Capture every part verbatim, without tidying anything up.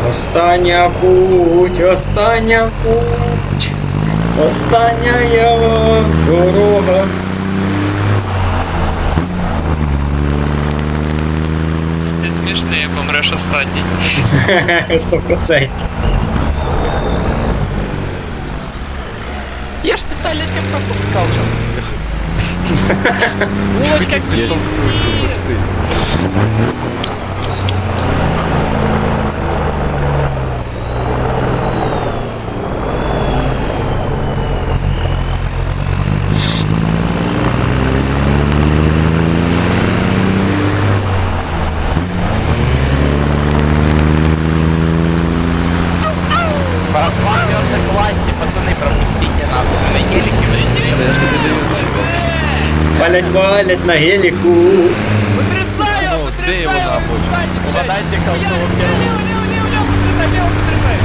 Остання путь, остання путь, остання дорога. Ти смішний, помреш останній. Сто процентів. Я ж специально тебя пропускал же. Булочка Пропусти. Братва, бьется к власти, пацаны, пропустите нахуй. Мы на гелике влетели. Валять, валять на геліку. Потрясаю, потрясаю, Угадайте, кого первого. Лево, лево, лево, лево, потрясай, лево, потрясай.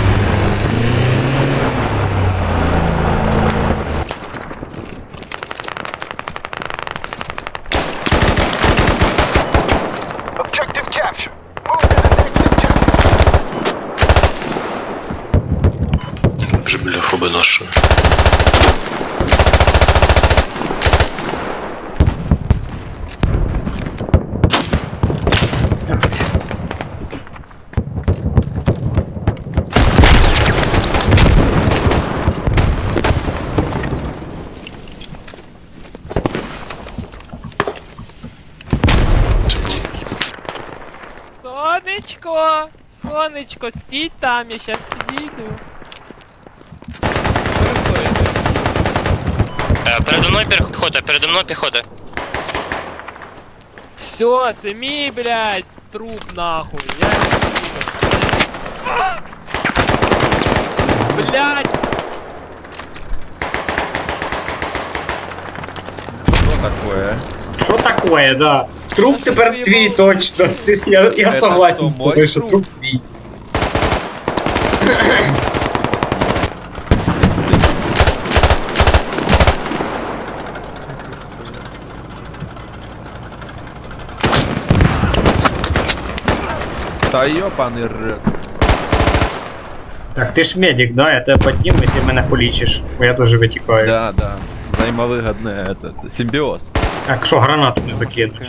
Вже біля фоби нашої. Сонечко, сонечко, стій там, я щас підійду. Передо мною піхота, передо мною піхота. Все, це мій, блядь, труп нахуй. Я... Блядь! Что такое? Що такое, да? Труп тепер твій точно. Я, я Це согласен що, з тобою, мой що труп? труп твій. Та ёбаный рот. Так, ти ж медик, да? Я тебе підніму і ти мене полічиш, бо я теж витікаю. Да, да. Взаимовыгодный этот симбиоз. Так, що гранату не закинуть?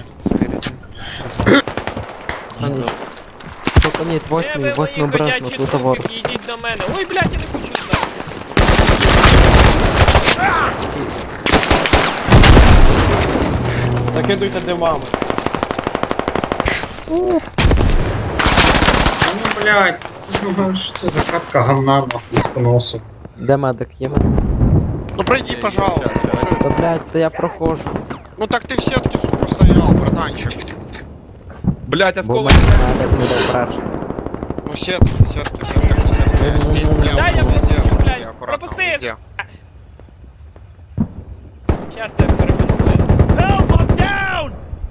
Только нет, Де восьмий, ви, восьмий мої брат на ходячі тротовар. трупики, ідіть до мене. Ой, блядь, я не хочу туди. Закидуйте димами. Ну, блядь, що це за катка гамна нахуй з поносу? Де медик є? Ну пройди, пожалуйста. Ну, что- Та блядь, та я проходжу. ну так ты в сетке, сука, стоял, братанчик. Блять, Бо осколок. мене медик не дав брати. Ну сетка, сетка, сетка, нельзя стоять. Ты, бля, Да, я везде, пропущу, везде, блядь, аккуратно, пропусти. везде. Щас тебе перепанкую. Help, I'm down!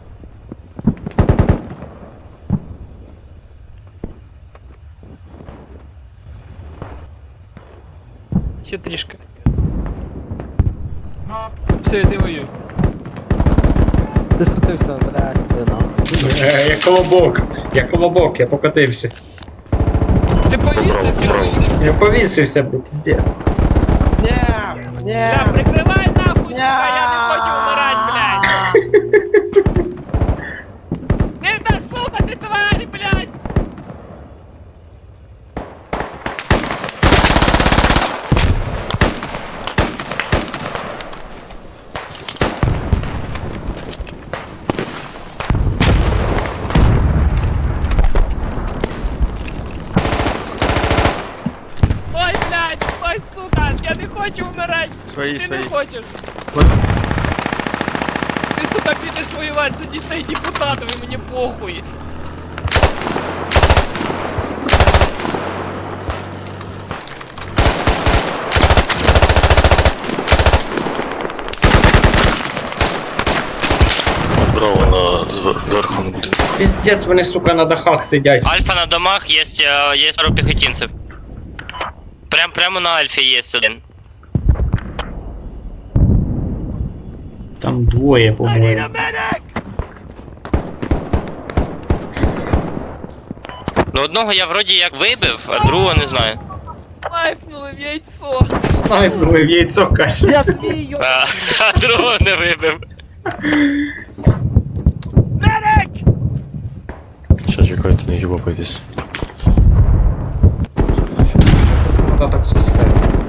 Ще трішки. Все, я дивую. Ти скотився, блядь, ти нахуй. Е, Я колобок, я колобок, я покотився. Ти повісився, повісився. Я повісився, бо піздець. Бля, прикривай нахуй, сука, я не хочу вмирать, блядь. Не та сука, ти тварь, блядь. Стой, блядь, стой, сука, я не хочу вмирать. Свои, Ти свои. не хочеш. Ти, сука, підеш воювати за дітей депутатів і мені похуй. Браво на зверху на будинку. Піздець, вони, сука, на дахах сидять. Альфа на домах, есть, э, есть пару пехотинцев. Прям, прямо на Альфе есть один. Там двоє, по-моєму. Ну одного я вроді як вибив, а другого не знаю. Снайпнули в яйцо. Снайпнули в яйцо, каже. Я смію! А, а другого не вибив. Ще чекайте, не гібапайтесь. Та так система.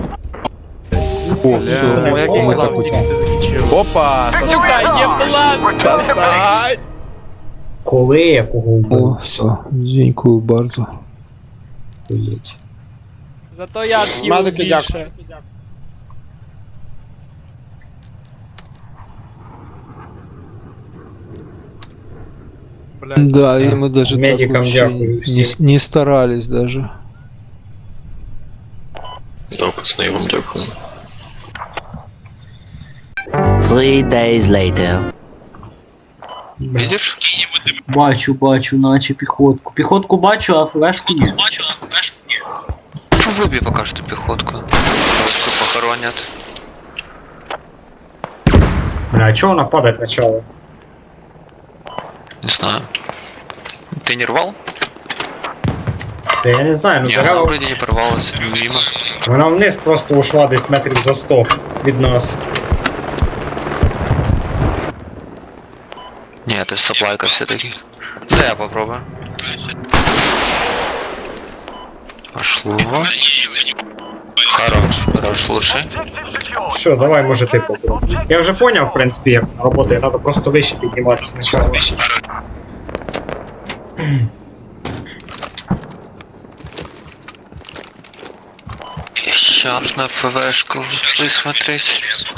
О, все, Опа! Сука, єблан! Достань! Коли я кого вбив? все, дякую bardzo. Охуєть. Зато я отхилив більше. Да, и мы даже так Медикам вообще дякую не, всім. не старались даже. Да, пацани, я вам дякую. Three days later. Видиш? Бачу, бачу, наче піхотку. Піхотку бачу, а флешку ні. Виб'є поки що піхотку. Піхотку похоронять. Бля, а чого вона падає спочатку? Не знаю. Ты не рвал? Та я не знаю, ну Не, она дерева. вроде не порвалась. Мимо. Вона вниз просто ушла десь метрів за сто від нас. Не, это саплайка все-таки. Да, я попробую. Пошло. Хорош, хорош, лучше. Що, давай, може ти попробуй. Я вже поняв, в принципі, як вона працює, треба просто вище підніматися спочатку. Сейчас на ФВшку высмотреть.